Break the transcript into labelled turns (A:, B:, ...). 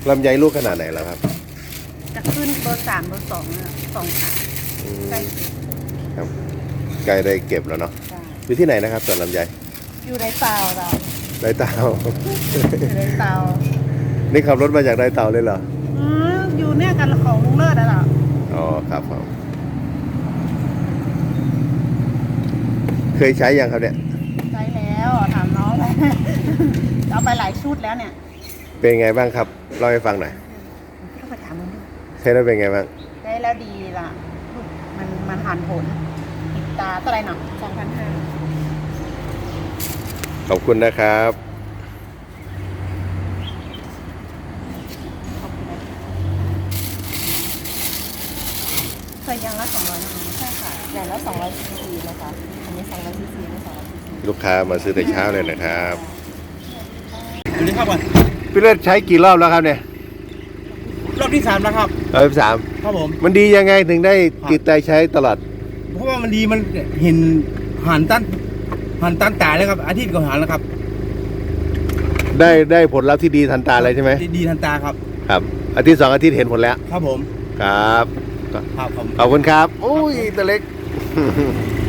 A: ลำไยลูกขนาดไหนแล้วครับ
B: จะขึ้นเบอร์3เบอร์2นะ2ขาใกล้เก็บ
A: ครับใกล้ได้เก็บแล้วเนาะ
B: จ้ะ
A: อยู่ที่ไหนนะครับสวนลำไย
B: อยู่ในเตาเรา
A: ไดเตา
B: อยู่ในเตา
A: นี่ขับรถมาจากไดเตาเลยเหรอ
B: อยู่เนี่ยกันของลุงเลิศแล้วเหรอ
A: อ๋อครับผมเคยใช้ยังครับเนี่ย
B: ใช้แล้วถามน้องไป เอาไปหลายชุดแล้วเนี่ย
A: เป็นไงบ้างครับเล่าให้ฟังหน่อย
B: ต้องไปถามมึงดู
A: ใช้แล้วเป็นไงบ้าง
B: ใช้แล้วดีล่ะลูกมันหันผลติดตาเท่าไหร่หน่ะ2,500
A: ขอบคุณนะครับ
B: เคยยังละ200นะคะใช่ค่ะอย่างละ200 cc นะคะอันนี้200 cc ไม่200 cc
A: ลูกค้ามาซื้อแต่เช้าเลยนะครับ
C: สวัสดีครับวัน
A: พี่เลิศใช้กี่รอบแล้วครับเนี่ย
C: รอบที่3แล้วครับ
A: สาม
C: ครับผม
A: มันดียังไงถึงได้ติดใจใช้ตลอด
C: เพราะว่ามันดีมันเห็นหันตันตายแล้วครับอาทิตย์ก็หันแล้วครับ
A: ได้ผลลัพธ์ที่ดีทันตาเลยใช่ไหม
C: ดีทันตาครับ
A: ครับอาทิตย์2 อาทิตย์เห็นผลแล้ว
C: ครับผม
A: ครับ
C: ครับผม
A: ขอบคุณครับอุ้ยตัวเล็ก